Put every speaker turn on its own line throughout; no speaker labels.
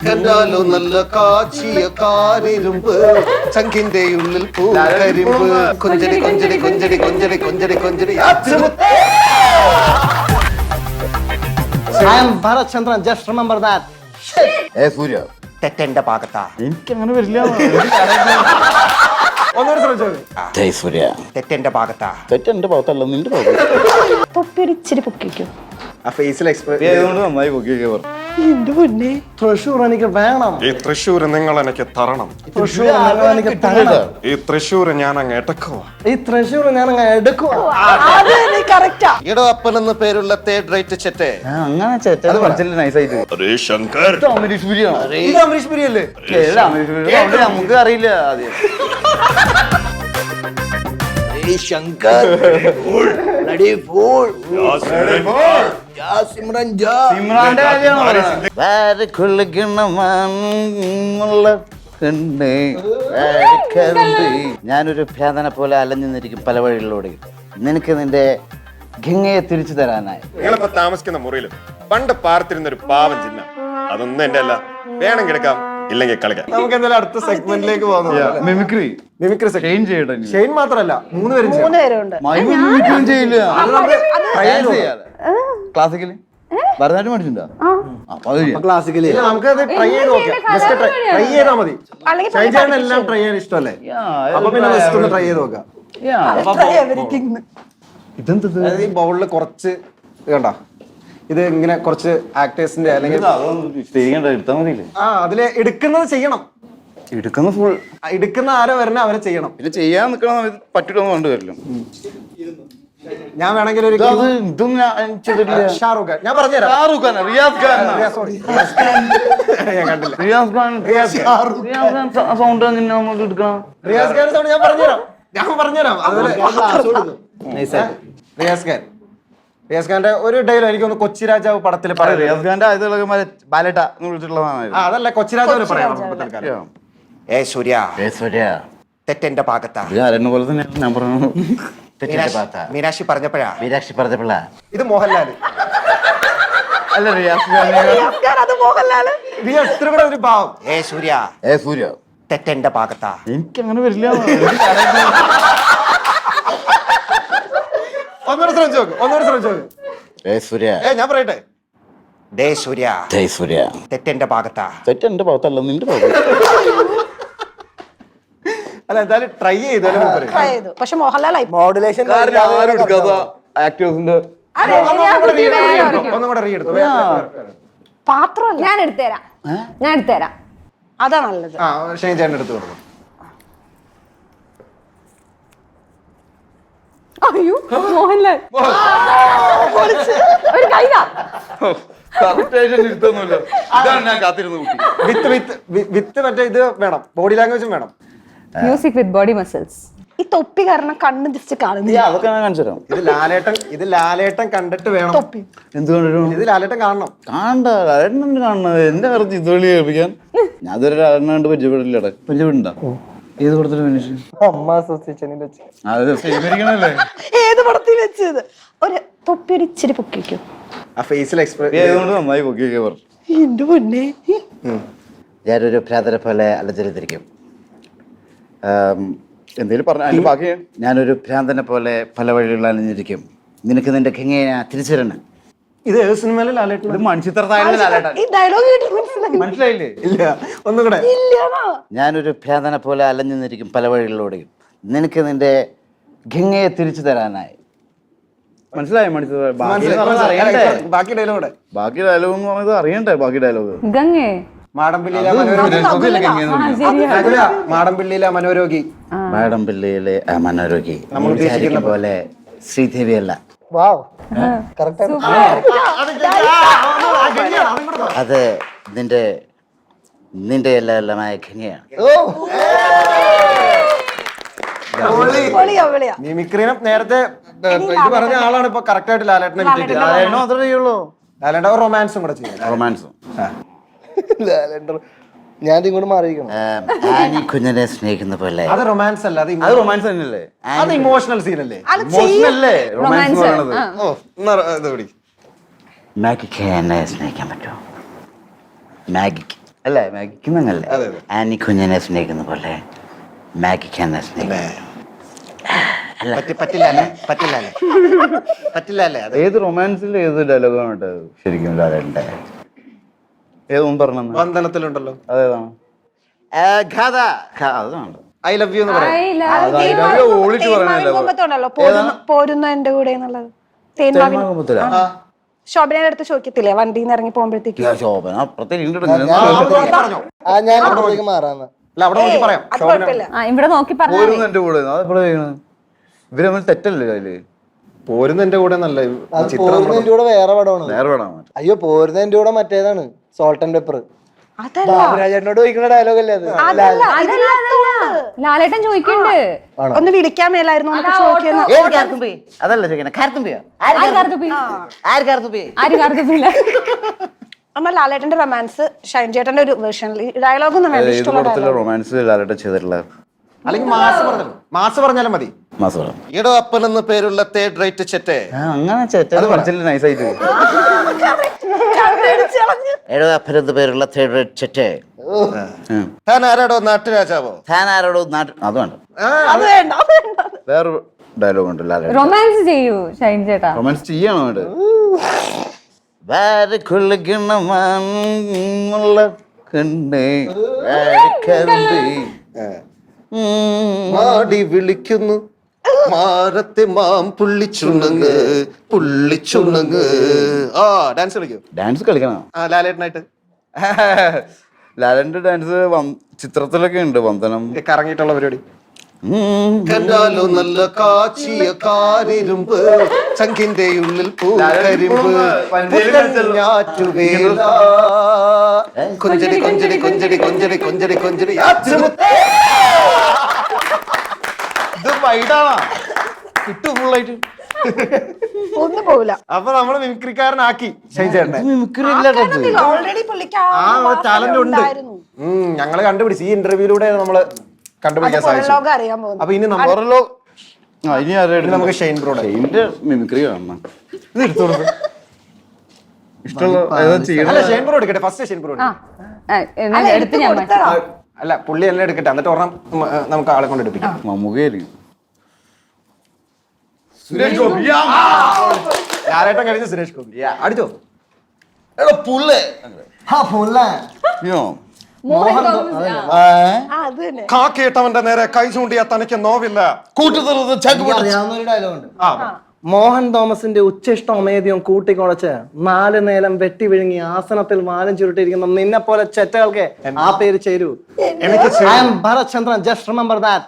കണ്ടാലോ നല്ല കാച്ചിയ കാരിരുമ്പ് ചങ്കിന്റെ ഉള്ളിൽ പൂക്കരിമ്പ് കൊഞ്ചടി കൊഞ്ചടി കൊഞ്ചടി കൊഞ്ചടി കൊഞ്ചടി കൊഞ്ചടി
I am Bharat Chandran, just remember that.
സൂര്യ
തെറ്റെന്റെ ഭാഗത്താ
എനിക്ക് അങ്ങനെ വരില്ല. ജയ് സൂര്യ
തെറ്റെന്റെ ഭാഗത്താ
തെറ്റെന്റെ ഭാഗത്തല്ല നിന്റെ ഭാഗത്ത്.
തൊപ്പിയൊരിച്ചിരി പൊക്കിക്കോ.
ആ ഫേസിൽ എക്സ്പ്രസ്
ആയതുകൊണ്ട് നന്നായി പൊക്കിയൊക്കെ പറഞ്ഞു.
എന്റെ പൊന്നെ തൃശ്ശൂർ എനിക്ക് വേണം.
ഈ തൃശ്ശൂര് നിങ്ങൾ എനിക്ക് തരണം.
തൃശ്ശൂർ നിങ്ങൾ എനിക്ക് തരണം.
ഈ തൃശ്ശൂര് ഞാൻ അങ്ങ് എടുക്കുക.
ഈ തൃശ്ശൂർ ഞാൻ അങ്ങ് എടുക്കുക.
കറക്റ്റാ.
ഇടോ അപ്പൻ എന്ന പേരുള്ള തേർഡ് റേറ്റ് ചെറ്റെ
അങ്ങനെ ചേട്ടത് പഠിച്ചില്ല നൈസായിട്ട്.
ശങ്കർ
അമരീഷ് പുരിയാണോ?
ഇത് അമരീഷ് പുരി അല്ലേ?
അമരീഷ് പുരി നമുക്ക് അറിയില്ല ആദ്യം.
ശങ്കർ
ഇമ്രാന്റെ ഞാനൊരു ഭ്രാന്തനെ പോലെ അലഞ്ഞു നിന്നിരിക്കും പല വഴികളിലൂടെ. നിനക്ക് നിന്റെ ഗംഗയെ തിരിച്ചു തരാനായി.
നിങ്ങളിപ്പോ താമസിക്കുന്ന മുറിയിലും പണ്ട് പാർത്തിരുന്ന ഒരു പാവം ചിഹ്ന അതൊന്നും എന്റെ അല്ല. വേണമെങ്കിൽ എടുക്കാം, ഇല്ലെങ്കിൽ കളിക്കാം.
നമുക്ക് എന്തായാലും അടുത്ത സെഗ്മെന്റിലേക്ക് പോകാം.
മിമിക്രി
മിമിക്രി
ഷെയ്ൻ ചെയ്യട്ടെ.
ഷെയ്ൻ മാത്രല്ല 3 പേരും ചെയ്യും.
3 പേരുണ്ട്.
മിമിക്രിയും ചെയ്യില്ല.
ചെയ്യാലോ.
ക്ലാസിക്കല് ഭരതനാട്യം പഠിച്ചിട്ടുണ്ടോ? അപ്പൊ അത് ചെയ്യാം.
ക്ലാസിക്കലി നമുക്കത് ട്രൈ ചെയ്ത് നോക്കാം. ജസ്റ്റ് ട്രൈ ചെയ്താൽ മതി.
അല്ലെങ്കിൽ
ഷൈൻ ചേട്ടൻ എല്ലാം ട്രൈ ചെയ്യാൻ ഇഷ്ടമല്ലേ? അപ്പൊ പിന്നെ ജസ്റ്റ് ഒന്ന് ട്രൈ ചെയ്ത് നോക്കാം. അതായത് ഈ ബൗളിൽ കുറച്ച് കണ്ട ഇത് ഇങ്ങനെ കുറച്ച് ആക്ടേഴ്സിന്റെ അല്ലെങ്കിൽ
എടുത്താൽ മതിയില്ലേ?
അതില് എടുക്കുന്നത് ചെയ്യണം.
എടുക്കുന്ന ഫുൾ
എടുക്കുന്ന ആരോ വരണ അവരെ ചെയ്യണം.
പിന്നെ ചെയ്യാൻ നിൽക്കണ പറ്റിട്ടൊന്നും കണ്ടുവരില്ല.
ഞാൻ വേണമെങ്കിൽ ഒരു
ഇതും
ഷാറൂഖ് ഖാൻ ഞാൻ പറഞ്ഞുതരാം.
ഷാറൂഖ് ഖാൻ, റിയാസ് ഖാൻ,
സോറി ഞാൻ കണ്ടില്ല.
റിയാസ് ഖാൻ സൗണ്ട് എങ്ങനെ നമുക്ക് എടുക്കണം?
റിയാസ് ഖാൻ സൗണ്ട് ഞാൻ പറഞ്ഞുതരാം. അതുപോലെ റിയാസ് ഖാന്റെ ഒരു ഡയലോഗ് എനിക്കൊന്ന് കൊച്ചി രാജാവ് പടത്തിൽ പറയാം.
റിയാസ് ഖാന്റെ ആദ്യത്തെ ബാലറ്റ എന്ന് വിളിച്ചിട്ടുള്ളതാണ്.
അതല്ല കൊച്ചി രാജാവിനെ പറയാം.
ഏ സൂര്യ
സൂര്യ
തെറ്റെന്റെ ഭാഗത്താ.
ആരെന്നെ പോലെ തന്നെ ഞാൻ പറഞ്ഞു.
മീനാക്ഷി പറഞ്ഞപ്പോഴാ
മീനാക്ഷി പറഞ്ഞപ്പോഴാ
ഇത് മോഹൻലാല്
അല്ല റിയാസ്
അത് മോഹൻലാല്.
റിയാസ് ഇത്ര കൂടെ ഒരു ഭാവം.
ഏ സൂര്യ
സൂര്യ
തെറ്റെന്റെ ഭാഗത്താ.
എനിക്ക് അങ്ങനെ വരില്ല.
ഒന്നുകൂടെ ശ്രമിച്ചു നോക്ക്.
സൂര്യ
ഞാൻ പറയട്ടെ.
ഡേ സൂര്യ
ജയ് സൂര്യ
തെറ്റെന്റെ ഭാഗത്താ.
തെറ്റെന്റെ ഭാഗത്തല്ല നിന്റെ ഭാഗത്ത്.
അല്ല എന്തായാലും ട്രൈ ചെയ്താലും
ട്രൈ ചെയ്തു. പക്ഷെ മോഹൻലാലായി.
മോഡുലേഷൻ
ആക്ടേഴ്സിന്റെ
ഒന്നും കൂടെ റീ എടുത്തു.
പാത്രം ഞാൻ എടുത്തുതരാം. അതാ നല്ലത്.
ആ ഷൈൻ ചേട്ടൻ എടുത്തു കൊടുക്കും.
അയ്യോ മോഹൻലാൽ ഒരു കൈതാ.
ഇതാണ് ഞാൻ കാത്തിരുന്നു.
വിത്ത് മറ്റേ ഇത് വേണം, ബോഡി ലാംഗ്വേജും വേണം.
Music with body muscles.
ഈ തൊപ്പി കാരണം കണ്ണ് ജസ്റ്റ് കാണുന്നില്ല.
അതൊക്കെ ഞാൻ കാണിച്ചു തരാം.
ഇത് ലാലേട്ടൻ കണ്ടിട്ട് വേണം.
എന്ത് കണ്ടിട്ടും
ഇത് ലാലേട്ടൻ കാണണം.
കാണണത് എന്റെ വെറുതെ ഇതുവഴി കേൾപ്പിക്കാൻ. ഞാൻ ഇതുവരെ ലാലേട്ടനെ കണ്ട് പരിചയപ്പെടില്ലടേ. പരിചയപ്പെടണ്ട ഏത് പടത്തിലും
ഏത് പടത്തിൽ വെച്ചത്? ഒരു തൊപ്പി ഒരിച്ചിരി പൊക്കിക്കോ.
ആ ഫേസിൽ എക്സ്പ്രസ്
നന്നായി പൊക്കിയൊക്കെ പറഞ്ഞു.
എന്റെ പൊന്നെ
ഞാനൊരു ഭ്രാതരെ പോലെ അലഞ്ഞിരിക്കും. എന്തെങ്കിലും പറഞ്ഞു ബാക്കി. ഞാനൊരു ഭ്രാന്തനെ പോലെ പല വഴികളിൽ അലഞ്ഞിരിക്കും. നിനക്ക് നിന്റെ ഗംഗയെ തിരിച്ചു തരണം.
ഇത് ഏത് സിനിമയിലെ ലാലേട്ടൻ?
ഈ ഡയലോഗ്
മനസ്സിലായില്ലേ?
ഇല്ല, ഒന്നും കൂടെ.
ഞാനൊരു ഭ്രാന്തനെ പോലെ അലഞ്ഞു നിന്നിരിക്കും പല വഴികളിലൂടെയും. നിനക്ക് നിന്റെ ഗംഗയെ തിരിച്ചു തരാനായി. മനസ്സിലായോ?
ബാക്കി ഡയലോഗ്
ബാക്കി ഡയലോഗ് എന്ന് പറയുന്നത് അറിയണ്ടേ? ബാക്കി ഡയലോഗ്
ഗംഗേ
മാടമ്പിള്ളിയിലെ മനോരോഗി.
മാടമ്പിള്ളിയിലെ മനോരോഗി നമ്മൾ ഉദ്ദേശിക്കുന്ന പോലെ ശ്രീദേവിയല്ല. അത് നിന്റെ എല്ലാമായ ഗംഗയാണ്.
മിമിക്രീനെ നേരത്തെ ഇത് പറഞ്ഞ ആളാണ് ഇപ്പൊ കറക്റ്റ് ആയിട്ട് ലാലേട്ടനെ ലാലേട്ടൻ റൊമാൻസും കൂടെ ചെയ്യും.
റൊമാൻസും
ഞാൻ ഇങ്ങോട്ട് മാറിയിരിക്കണം.
ആനി കുഞ്ഞിനെ സ്നേഹിക്കുന്ന പോലെ.
അത് റൊമാൻസ് അല്ല, അത്
റൊമാൻസ് തന്നെയല്ലേ?
അത് ഇമോഷണൽ സീൻ അല്ലേ?
മാഗിക്ക് എന്നെ സ്നേഹിക്കാൻ പറ്റുമോ? മാഗിക്ക് അല്ല മാഗിക്കുന്നല്ലേ ആനി കുഞ്ഞിനെ സ്നേഹിക്കുന്ന പോലെ മാഗിക്ക് എന്നെ സ്നേഹിക്കുന്നു.
പറ്റില്ല അതെ.
ഏത് റൊമാൻസിൽ ഏത് ഡയലോഗാണ് ശരിക്കും ലാലേട്ടൻ്റെ? ഏതൊന്നും പറഞ്ഞു
ബന്ധനത്തിലുണ്ടല്ലോ
അതേതാണ്? അതാണ്
ഐ ലവ് യു എന്ന് പറയാം.
I love
ഓളിട്ട് പറയണല്ലോ.
പോരുന്ന എന്റെ കൂടെ എന്നുള്ളത് തേന്മാവിൻ
തേന്മാകുമ്പത്തിലാ?
ശോഭനയുടെ അടുത്ത് ചോദിക്കത്തില്ലേ വണ്ടിയിൽ നിന്ന് ഇറങ്ങി പോകുമ്പോഴത്തേക്ക്
ശോഭന അപ്പുറത്തേക്ക്
ഞാൻ അവിടേക്ക് മാറാന്ന്.
അല്ല അവിടെ നോക്കി പറയാം.
അത് കുഴപ്പമില്ല.
ഇവിടെ നോക്കി പറഞ്ഞു
പോരുന്നു എന്റെ കൂടെ അതെപ്പോഴാ ചെയ്യണത്? ഇവര് തമ്മിൽ തെറ്റല്ലേ അതില്?
പോരുന്ന എന്റെ കൂടെ നല്ല
അത് പോരുന്നതിന്റെ കൂടെ വേറെ പടമാണ്.
നേരെ വേണം.
അയ്യോ പോരുന്നതിന്റെ കൂടെ മറ്റേതാണ് സോൾട്ട് ആൻഡ് പെപ്പർ.
അതല്ല
ബാബുരാജേട്ടനോട് ചോദിക്കുന്ന ഡയലോഗ് അല്ലേ അത്?
അതല്ല
ലാലേട്ടൻ ചോദിക്കണ്ട്.
ഒന്ന് വിളിക്കാൻ മേലായിരുന്നു എന്നൊക്കെ ചോദിക്കുന്നു.
അതല്ല ചോദിക്കണേ.
ആര് കാർത്തുപ്പില്ല?
അമ്മ ലാലേട്ടന്റെ റൊമാൻസ് ഷൈൻ ചേട്ടന്റെ ഒരു വേർഷനിൽ ഡയലോഗ് ഒന്നും വേണ്ട, ഇഷ്ടമുള്ള dialogue.
റൊമാൻസ് ലാലേട്ടൻ ചെയ്തിട്ടുള്ള
അല്ലെങ്കിൽ മാസ് പറഞ്ഞാലും മതി.
മാസം
ഈടോ അപ്പൻ എന്ന് പേരുള്ള തേർഡ് റേറ്റ് ചെറ്റേ.
അങ്ങനെ ചേട്ടത് പഠിച്ചില്ല നൈസായിട്ട്.
കണ്ണടിച്ച് കളഞ്ഞ്.
ഏഴോ അപ്പനെന്ന് പേരുള്ള തേർഡ് റേറ്റ് ചെറ്റേ.
താൻ ആരാടോ നാട്ടുരാജാവോ?
താൻ ആരോടോ നാട്ടിൽ അത് വേണ്ട.
അത് വേണ്ട, അത് വേണ്ട.
വേറെ ഡയലോഗ് ഉണ്ട് ലാലേട്ടൻ.
റൊമാൻസ് ചെയ്യൂ ഷൈൻ ചേട്ടാ.
റൊമാൻസ് ചെയ്യണോ വേണ്ട? വേറെ കൊള്ളിക്കണമുള്ള കണ്ണേ
മാടി വിളിക്കുന്നു മാറത്തെ മാം പുള്ളിച്ചുണങ്ങ് പുള്ളിച്ചുണങ്ങ്. ആ ഡാൻസ് കളിക്കോ?
ഡാൻസ് കളിക്കണം.
ആ ലാലേട്ടനായിട്ട്
ലാലേട്ടന്റെ ഡാൻസ് ചിത്രത്തിലൊക്കെ ഉണ്ട്. വന്ദനം
കറങ്ങിയിട്ടുള്ള പരിപാടി.
കണ്ടാലോ നല്ല കാച്ചിയ കാരിരുമ്പ് ചങ്കിന്റെ ഉള്ളിൽ പൂക്കരിമ്പ് ഞാറ്റുവേല കൊഞ്ചടി കൊഞ്ചടി കൊഞ്ചടി കൊഞ്ചടി കൊഞ്ചടി കൊഞ്ചടി
ഇത് വൈഡാണോ? കിട്ടും ഫുള്ളായിട്ട്.
ഒന്നും പോവില്ല.
അപ്പൊ നമ്മള് മിമിക്രിക്കാരനാക്കി ഷൈൻ ചേട്ടനെ.
ഓൾറെഡി പുള്ളിക്ക്
ടാലന്റ് ഉണ്ട്. ഞങ്ങള് കണ്ടുപിടിച്ചു. ഈ ഇന്റർവ്യൂലൂടെ നമ്മള് കണ്ടുപിടിക്കാൻ സാധിച്ചു.
ലോകം അറിയാൻ പോകുന്നു.
അപ്പൊ ഇനി
ഇനി ആരായിട്ട്
നമുക്ക് ഷൈൻ ബ്രോയുടെ
ഷൈൻ്റെ മിമിക്രി കാണണം. ഇത് എടുത്തു കൊടുക്കും. ഇഷ്ടമുള്ള ഏതാ ചെയ്യണം?
അല്ല ഷൈൻ ബ്രോ എടുക്കട്ടെ. ഫസ്റ്റ് ഷൈൻ ബ്രോ
എടുത്ത് ഞാൻ മാറ്റി.
അല്ല പുള്ളി എല്ലാം എടുക്കട്ടെ. എന്നിട്ട് ഒരെണ്ണം നമുക്ക് ആളെ കൊണ്ട് എടുപ്പിക്കാം.
മമ്മൂക്കയായിരിക്കും.
സുരേഷ് ഗോപി. ലാലേട്ടൻ കഴിഞ്ഞ സുരേഷ് ഗോപി അടിച്ചോ.
മോഹൻ തോമസ്.
അത് തന്നെ.
കാക്കേട്ടവന്റെ നേരെ കൈ ചൂണ്ടിയാ തനിക്ക് നോവില്ല.
അറിയാവുന്നൊരു ഡയലോഗ് ഉണ്ട്.
മോഹൻ തോമസിന്റെ ഉച്ചിഷ്ടം അമേദ്യം കൂട്ടിക്കുളച്ച് 4 നേരം വെട്ടി വിഴുങ്ങി ആസനത്തിൽ മാലം ചുരുട്ടിയിരിക്കുന്ന നിന്നെ പോലെ ചെറ്റകൾക്ക് ആ പേര് ചേരൂ. I am Bharath Chandran, just remember that.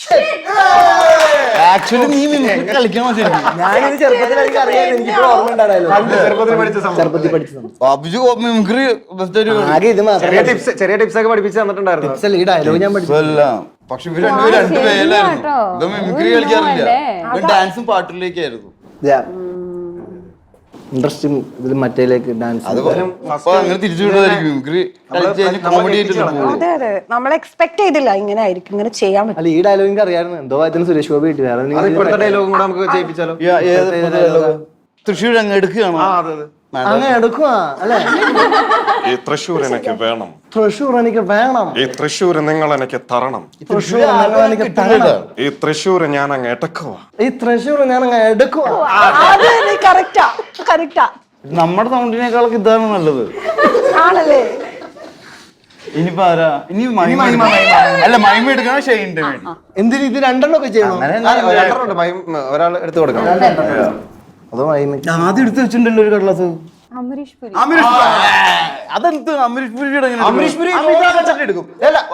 Actually നീ മിമിക്രി കളിക്കണം.
ഞാനിത് ചെറുപ്പത്തിൽ എനിക്ക് അറിയാം, എനിക്ക് ഓർമ്മ ഉണ്ടായിരുന്നു.
ചെറുപ്പത്തിൽ പഠിച്ച സംഭവം.
ചെറുപ്പത്തിൽ പഠിച്ചത്
ബാബുജി മിമിക്രി
ആകെ ഇത് മാത്രം.
ചെറിയ ടിപ്സ് ഒക്കെ പഠിപ്പിച്ച് തന്നിട്ടുണ്ടായിരുന്നു.
ഈ ഡയലോഗ് ഞാൻ പഠിച്ചു.
പക്ഷെ ഇവര് രണ്ടു പേരായിരുന്നു. ഇവ മിമിക്രി കളിക്കാറില്ല. ഇവൻ ഡാൻസും പാട്ടിലേക്കായിരുന്നു.
ഇൻട്രസ്റ്റിംഗ്. ഇതിൽ മറ്റേലേക്ക് ഡാൻസ്
അങ്ങനെ തിരിച്ചു വിടുന്നതായിരിക്കും. മിമിക്രി കോമഡി ആയിട്ട്
അതെ അതെ, നമ്മൾ എക്സ്പെക്ട് ചെയ്തില്ല ഇങ്ങനെ ആയിരിക്കും, ഇങ്ങനെ ചെയ്യാൻ പറ്റും.
അല്ല ഈ ഡയലോഗ് എനിക്ക് അറിയായിരുന്നു. എന്തോ അതിന് സുരേഷ് ഗോപി കിട്ടി. വേറെ
അത് ഇപ്പോഴത്തെ ഡയലോഗും കൂടെ നമുക്ക് ചെയ്യിപ്പിച്ചാലോ?
തൃശ്ശൂർ അങ്ങ് എടുക്കുകയാണോ?
അങ്ങനെ എടുക്കുക അല്ലെ?
ഈ തൃശ്ശൂർ എനിക്ക് വേണം.
തൃശ്ശൂർ എനിക്ക് വേണം.
ഈ തൃശ്ശൂർ നിങ്ങൾ എനിക്ക് തരണം.
തൃശ്ശൂർ നിങ്ങൾ എനിക്ക് തരണം.
ഈ തൃശ്ശൂർ ഞാൻ അങ്ങ് എടുക്കുക.
ഈ തൃശ്ശൂർ ഞാൻ അങ്ങ് എടുക്കുക.
അത് കറക്റ്റാ, കറക്റ്റാ.
നമ്മുടെ സൗണ്ടിനേക്കാളൊക്കെ ഇതാണ് നല്ലത്.
ആണല്ലേ?
ഇനിയിപ്പോ ആരാ? ഇനി അല്ല മൈമ എടുക്കണം. ഷെയിൻ്റെ
എന്തിന് ഇത് രണ്ടെണ്ണം ഒക്കെ ചെയ്യണം?
ഒരാൾ എടുത്തു കൊടുക്കണം.
അതോ
ആദ്യം എടുത്ത് വെച്ചിട്ടുണ്ടല്ലോ ഒരു കടലാസ്.
അമരീഷ് പുരി.
അതെന്ത് അമരീഷ് പുരിയുടെ
അമരീഷ് പുരി എടുക്കും.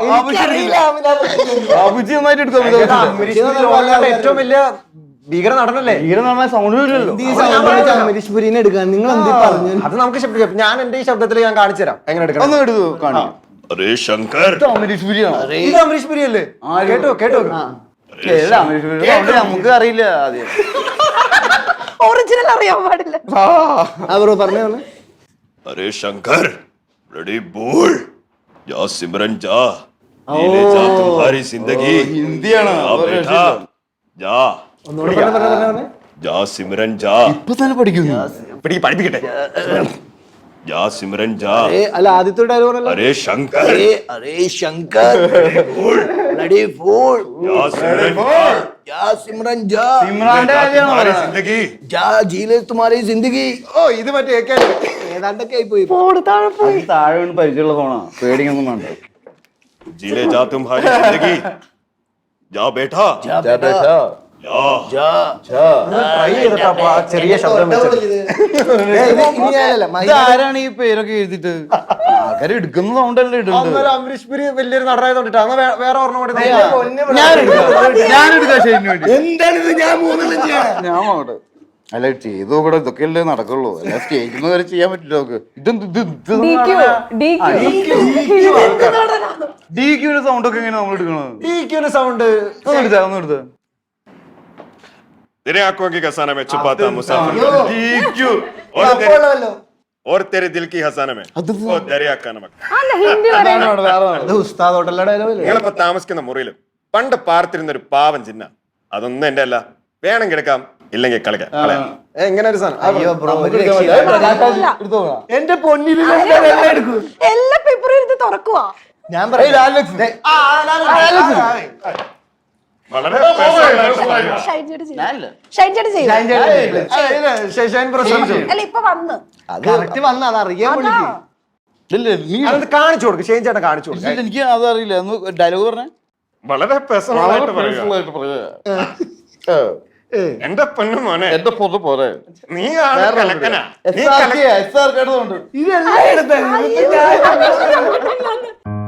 ബാബുജി നന്നായിട്ട് എടുക്കും.
ഏറ്റവും വലിയ ഭീകര നടനല്ലേ?
ഭീകര നടന സൗണ്ട് വരില്ലല്ലോ.
അമരീഷ് പുരിനെ എടുക്കാൻ നിങ്ങൾ എന്തി പറഞ്ഞു?
അത് നമുക്ക് ഞാൻ എന്റെ ഈ ശബ്ദത്തിൽ ഞാൻ കാണിച്ചു തരാം എങ്ങനെ എടുക്കണം.
ഒന്ന് എടുത്തു കാണിക്കാം.
ശങ്കർ
അമരീഷ് പുരിയാണോ?
ഇത് അമരീഷ് പുരി അല്ലേ? കേട്ടോ കേട്ടോ.
അമരീഷ് പുരി നമുക്ക് അറിയില്ല. ആദ്യം
ഒറിജിനൽ അറിയാൻ പാടില്ല.
അവരോ പറഞ്ഞു.
अरे शंकर रेडी बोल जा सिमरन जा नीले जा तुम्हारी जिंदगी
ഹിന്ദിയാണ്.
बेटा जा
ഒന്നുകൂടെ പറഞ്ഞു.
जा सिमरन जा
ഇപ്പൊ തന്നെ പഠിക്കുന്നു.
പഠിപ്പിക്കട്ടെ.
जा सिमरन जा
അല്ല ആദ്യത്തെ ഡയലോഗ് അല്ല
अरे शंकर
अरे शंकर ब्लडी फूल
जा सिमरन
जा सिमरन जा
ഇമ്രാന്റെ കാര്യമാണോ
तुम्हारी
പറയുന്നത്?
जिंदगी
जा जी ले तुम्हारी जिंदगी
ഓ ഇത് മറ്റേ
ഏതാണ്ടൊക്കെ ആയി പോയി
അത് താഴെ വീണ് പരിചയമുള്ള ഫോണാ പേടിക്കൊന്നും വേണ്ട
जी ले जा तुम्हारी जिंदगी जा बेटा
जा बेटा
जा
जा
ട്രൈ ചെയ്തിട്ടാ അപ്പൊ ആ ചെറിയ ശബ്ദം വെച്ചത്.
ഇതാരാണ് ഈ പേരൊക്കെ എഴുതിട്ട് ആൾക്കാർ എടുക്കുന്ന സൗണ്ടല്ലേ ഇടുന്നത്
അന്നേരം അമരീഷ് പുരി വലിയൊരു നടനായതുകൊണ്ടിട്ടാ അന്ന് വേറെ ഒരെണ്ണം കൂടി
ഞാൻ എടുക്കാം ഷെയ്ഡിന് വേണ്ടി എന്താണിത് ഞാൻ മൂന്നെണ്ണം ചെയ്യണം ഞാൻ പോകട്ടെ അല്ല ചെയ്തു നോക്കട്ടെ ഇതൊക്കെയല്ലേ നടക്കുള്ളൂ അല്ല സ്റ്റേജിൽ നിന്ന് വരെ ചെയ്യാൻ പറ്റില്ല നോക്ക് ഡിക്യൂടെ സൗണ്ട് ഒക്കെ എങ്ങനെ നമ്മൾ എടുക്കണത്
സൗണ്ട്
ഒന്ന് എടുത്ത
तेरे आंखों की खसाना में छुपाता मुसाफिर और तेरे दिल की खसाना में वो दरिया का नमक
ഹിന്ദി
അത് ഉസ്താദോട്ടല്ല ഡയലോഗ് അല്ലേ
നിങ്ങളിപ്പോ താമസിക്കുന്ന മുറിയിലും പണ്ട് പാർത്തിരുന്ന ഒരു പാവം ചിഹ്ന അതൊന്നും എന്റെ അല്ല വേണമെങ്കിൽ എടുക്കാം ഇല്ലെങ്കിൽ കളയാം
എങ്ങനെ ഒരു സാധനം
അയ്യോ ബ്രോ
എന്റെ പൊന്നിൽ
എല്ലാ പേപ്പറും എടുത്ത് തുറക്കുവാ.
ഞാൻ പറയാം
വളരെ
ഷൈൻ ചേട്ടൻ ചെയ്യും. ഷൈൻ ചേട്ടൻ ചെയ്യും.
ശശാൻ പ്രസംഗിച്ചു
അല്ല ഇപ്പൊ വന്ന്
കറക്റ്റ് വന്ന അത് അറിയാൻ വിളിക്കും
അത് കാണിച്ചു കൊടുക്കും ഷെയ്ൻ ചേട്ടൻ കാണിച്ചു കൊടുക്കും
എനിക്ക് അതറിയില്ല ഒന്ന് ഡയലോഗ് പറഞ്ഞേ
വളരെ പേഴ്സണലായിട്ട് പറയുക എന്റെ പൊന്നു മോനെ
എന്റെ പൊതു പോലെ
നീ ആണ് കലക്കനാ നീ
SRK കേട്ടതുകൊണ്ട്
ഇതെല്ലാം എടുത്ത